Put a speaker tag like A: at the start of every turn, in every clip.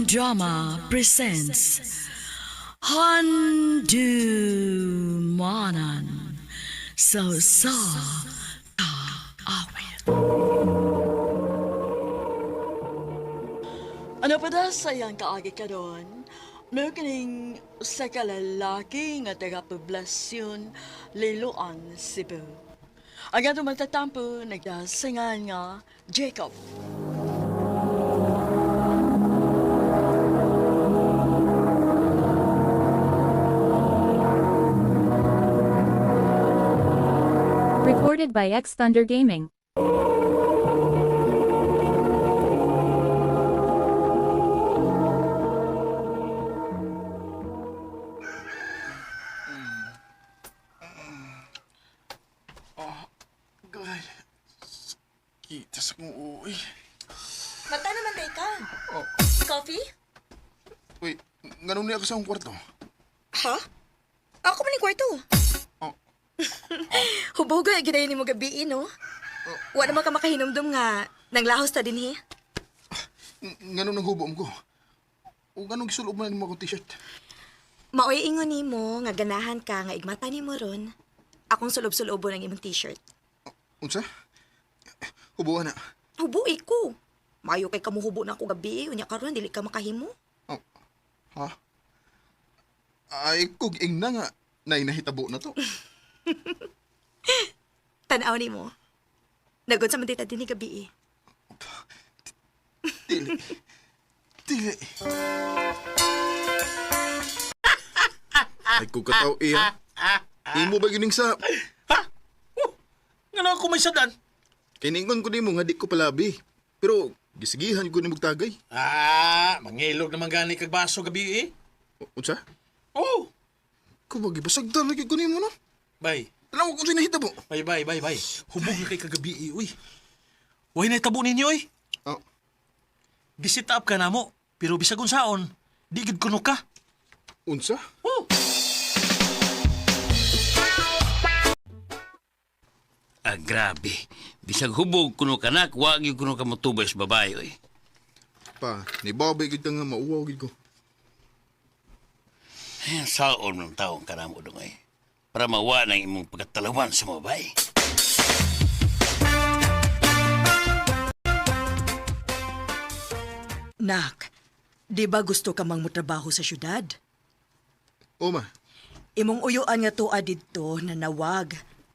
A: Drama presents Handumanan sa awit. Ano pa da sayang kaagi ka doon? May kining sa kalalaki nga taga-poblasyon Liloan, Cebu. Ang ato magtatampo nagdasingan nga Jacob.
B: Recorded by X Thunder Gaming.
C: God, kita sa kong uwi.
D: Mata naman day ka.
C: Oh,
D: Coffee?
C: wait, ganun niya ako sa akong kwarto.
D: Ha? Ako man yung kwarto.
C: Oh,
D: Huboga, gidayon ni mo gabi, no? Wala naman ka makahinumdum nga. Nanglahos ta din,
C: Ganun ang hubom ko. O ganun gisulob mo na mo akong t-shirt.
D: Maoy ingon ni mo, nga ganahan ka, nga igmata ni mo ron. Akong sulob-sulobo ng imong t-shirt.
C: Unsa? Hubuan na.
D: Hubuy ko. Mayo kay kamuhubo na ako gabi, unya karon dili ka makahimo.
C: Oh, ha? Ay, kung na nga, nahitabo na to.
D: Tanaw ni mo. Nagod sa mandita din ni gabi.
C: Dili. Dili. Ay, kung kataw iya. Imo ba gining sa...
E: Nga na ako may sadan.
C: Kiningon ko ni mo nga di ko palabi. Pero, gisigihan ko ni magtagay.
E: Mangilog naman gani kag baso gabi eh.
C: Unsa?
E: Oh,
C: Kung magibasagdan lagi ko ni mo no?
E: bay.
C: Alam ko kung sa'yo nahitabo.
E: Bay. Hubog na kay kagabi eh, uy. Huwag na itabo ninyo eh.
C: Oh,
E: Visit up ka na mo. Pero bisag unsaon, di gid kuno ka.
C: unsa?
E: Oh.
F: Grabe. Bisag hubog kuno kanak, wag yung kuno ka motubay sa babae, oy.
C: Pa, ni babay gid ka nga mauwaw gid ko.
F: Ayan, saon ng taong kanamo dong, oy. Para mawa ng imong pagkatalawan sa mga babae.
A: Nak, di ba gusto ka mang mutrabaho sa syudad?
C: O ma,
A: Imong uyuan nga tuwa didto na nawag.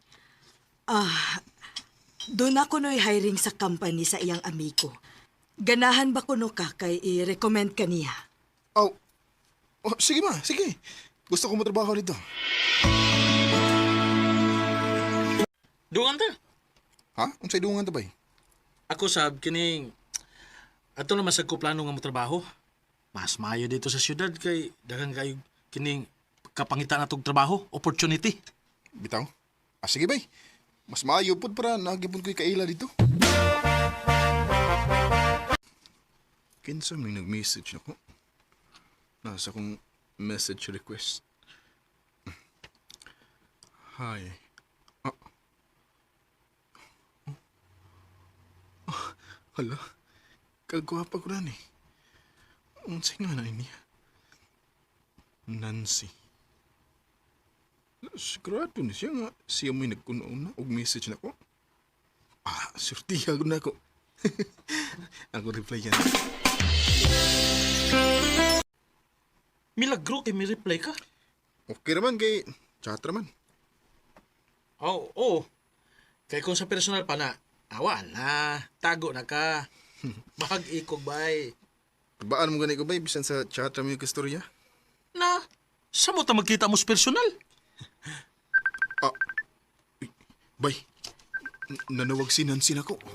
A: Doon ako no'y hiring sa company sa iyang amigo. Ganahan ba kuno ka kay i-recommend ka niya?
C: oh, sige ma, sige. Gusto ko matrabaho dito.
E: Dungan ta.
C: Ha? Unsay dungan ta bay?
E: Ako sab kining ato na masag ko plano nga mo trabaho. Mas maayo dito sa syudad kay daghang kayo kining kapangitan natong trabaho, opportunity.
C: Bitaw? Sige bay. Mas maayo pod para nagipon ko'y kaila dito. Kinsa may nag-message nako. Nasa kong message request. Hi. Hala. Kagwapa ko rin eh. Unsay nga na niya? Nancy. Sigurado na siya nga. Siya mo'y nagkunoon na og message na ko. Surtiha ko na ako. Ako reply yan.
E: Milagro kay mi reply ka.
C: Okay naman kay chat naman.
E: Oo. Kay kung sa personal pa na, wala. Tago na ka. Bahag ikog bay.
C: Baan mo gani ko ba bisan sa chat naman yung kastorya?
E: Na, sa mo ta magkita mo sa personal?
C: Bay, nanawag si Nancy na ko.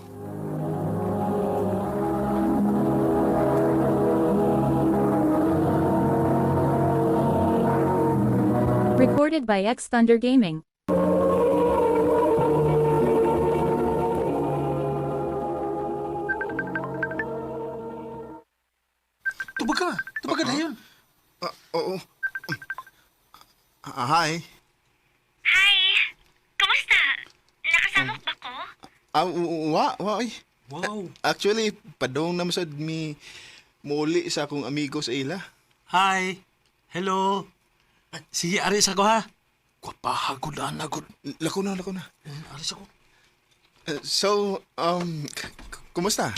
B: Recorded by X Thunder Gaming.
E: Tubag ka na yun.
C: Oo. Hi.
G: Hi! Kumusta? Nakasamok ba ko?
C: Wa, ay.
E: Wow.
C: Actually, padong naman sa mi muli sa akong amigo sa ila.
E: Hi. Hello. Sige, aris ako ha. Kwapahagod na agod.
C: Lako na.
E: Aris ako.
C: So, kumusta?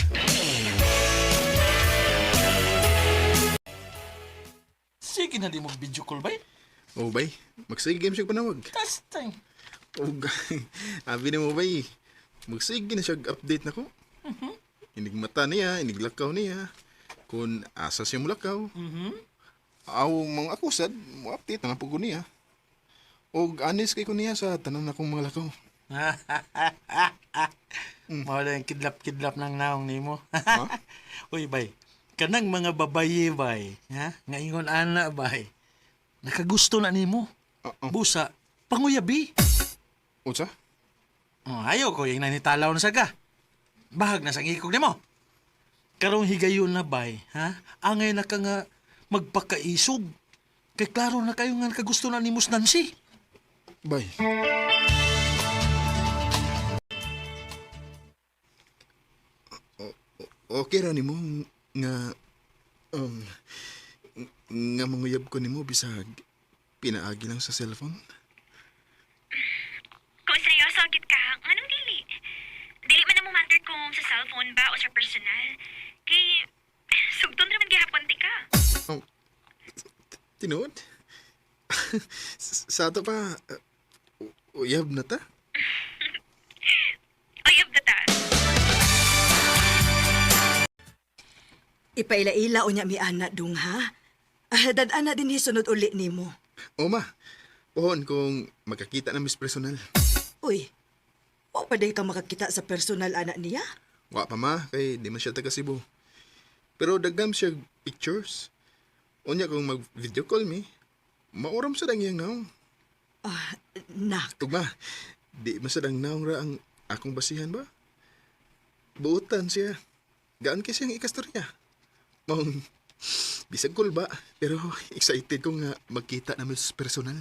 E: Sige na di mo video call ba?
C: Oh, bay. Magsige game siya panawag.
E: Testing.
C: Oh, abi na mo, bay. Magsige na siya update na ko. Inig mata niya, inig lakaw niya. Kung asa siya mulakaw. Aw, mga akusad, mo update na nga po ko niya. O anis kay ko niya sa tanan akong mga lakaw.
E: Mawala yung kidlap-kidlap ng naong nimo.
C: Ha?
E: Uy, bay. Kanang mga babaye, bay. Ha? Ngayon ana, bay. Nakagusto na nimo. Busa, panguyabi.
C: Unsa?
E: Oh, ayaw ko yung nanitalaw na saga. Bahag na sa ngikog nimo. Karong higayon na, bay. Ha? Angay na ka nga magpakaisog. Kay klaro na kayo nga nakagusto na ni Nancy.
C: Bay. Okay ra nimo nga nga manguyab ko nimo bisag pinaagi lang sa cellphone.
G: Kung seryoso gid ka, anong dili? Dili man na mo matter kung sa cellphone ba o sa personal. Kay, sugton naman gihapon ti ka.
C: Oh, tinuod? Sa ato pa, uyab na ta?
G: Oyab na ta.
D: Ipaila-ila o niya mi anak dung ha. Dadana din hisunod uli nimo.
C: O ma, pohon kung magkakita na mis personal.
D: Uy, wa pa day ka makakita sa personal anak niya?
C: Wa pa ma, kay di man siya taga Cebu. Pero dagam siya pictures. Unya kung mag-video call mi, mauram sa dang iyang naong.
D: Nak,
C: Tugma, di masadang naong ra ang akong basihan ba? Buutan siya. Gaan kay siyang ikastorya. Mong, bisag cool ba? Pero excited ko nga magkita namin sa personal.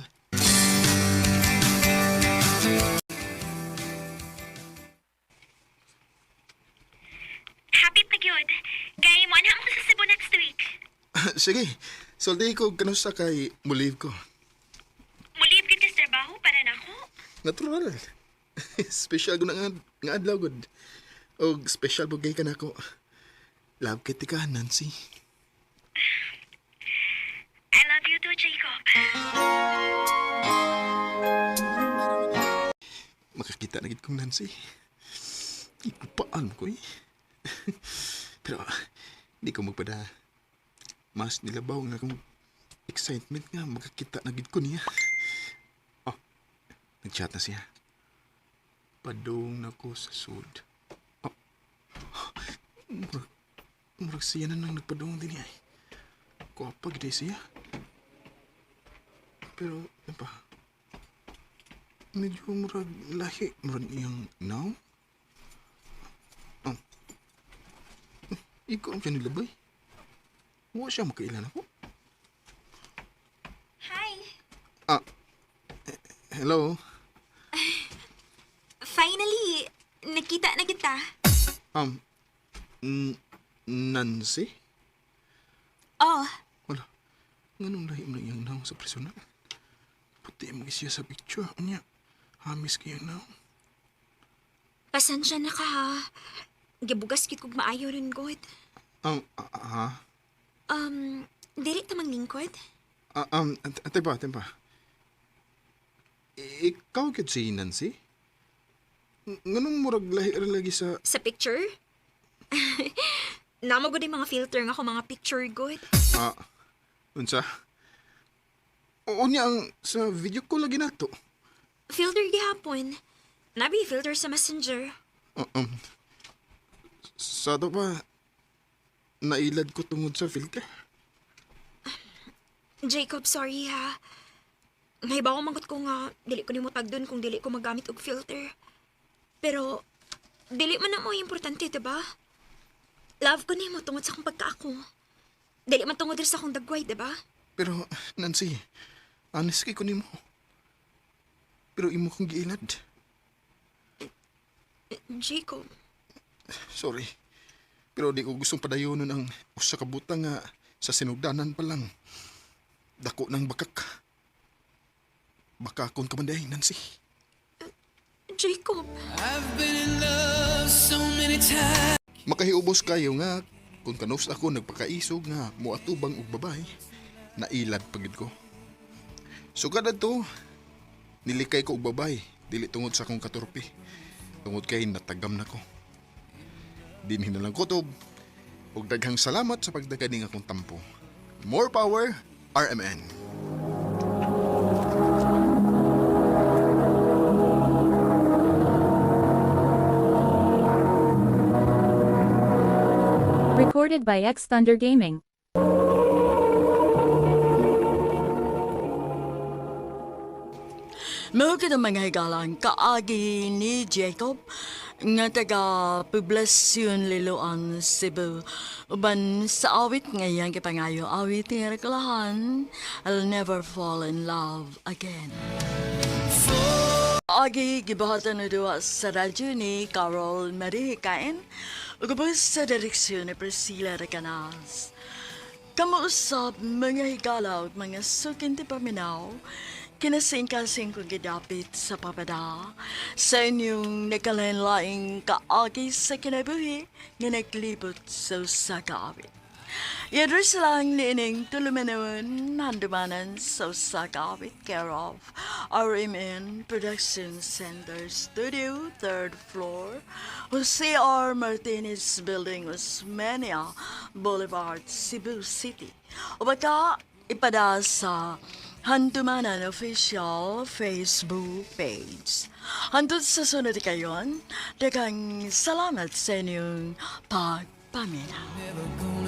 G: Happy pa gyud. Kay mo ana mo sa Cebu next week.
C: Sige, solday ko kanusa kay muliv ko.
G: Mulib gid ka sa trabaho para nako.
C: Natural. Special ko na nga adlaw gud. O special bugay ka na ako. Love kiti ka, Nancy.
G: I love you too, Jacob.
C: Makakita na gid kong Nancy. Ipupaan ko eh. Pero di ko magpada. Mas nilabaw nga akong excitement nga makakita na gid ko niya. Oh, nag-chat na siya. Padong na ko sa sud. Oh, murag siya na nang nagpadong din niya. Kuwapag di siya. Pero, ano pa? Medyo murag lahi. Murag iyang now? Ikaw ang siya nilabay. Huwag siya makailan ako.
G: Hi.
C: Hello?
G: Finally, nakita na kita.
C: Nancy?
G: Oh,
C: Wala. Ganun lahi mo na iyang now sa personal. Puti mo siya sa picture. Anya, hamis kayo now.
G: pasensya na ka ha. Gibugas kit kog maayo rin god. Dili ta manglingkod?
C: Ate pa. Ikaw kit si Nancy? Nganong murag lahi ra lagi sa...
G: Sa picture? Namo gud mga filter nga ako mga picture god.
C: Unsa? Oo niya ang sa video ko lagi nato.
G: Filter gihapon. Nabi filter sa Messenger.
C: Sa to pa, nailad ko tungod sa filter.
G: Jacob, sorry ha. May ba mangot ko nga dili ko nimo tagdon kung dili ko magamit og filter. Pero dili man na mo importante, diba? Love ko nimo tungod sa akong pagkaako. Dili man tungod sa akong dagway, diba?
C: Pero, Nancy, honest kay ko nimo. Pero imo kong giilad.
G: Jacob,
C: Sorry. Pero di ko gustong padayonon ang usa ka butang nga sa sinugdanan pa lang. Dako ng bakak. Bakakon ka man day, Nancy.
G: Jacob,
C: Makahiubos kayo nga kung kanus ako nagpakaisog nga muatubang og babae, nailad pagid ko. So kada to, nilikay ko og babae, dili tungod sa akong katurpi. Tungod kay natagam na ko. Dinhin na lang kutob, ug daghang salamat sa pagdaganing akong tampo. More power, RMN.
B: Recorded by X Thunder Gaming.
A: Mga mga higalang kaagi ni Jacob nga taga Poblacion Liloan, Cebu. Uban sa awit ngayang kipangayo awit nga kalahan, I'll never fall in love again. Agi gibahatan na duwa sa radyo ni Carol Marie Hikain, ugabos sa direksyon ni Priscilla Recanas. Kamuusap mga higala ug mga sukin ti paminaw, kinasing-kasing kong gidapit sa papada sa inyong nakalanlaing kaagi sa kinabuhi nga naglibot sa usa ka awit. I-address lang niining tulumanon handumanan sa usa ka awit care of RMN Production Center Studio, 3rd floor, Jose R. Martinez Building, Osmeña Boulevard, Cebu City. O baka ipada sa Handumanan Official Facebook page. Hantod sa sunod kayon, daghang salamat sa inyong pagpaminaw.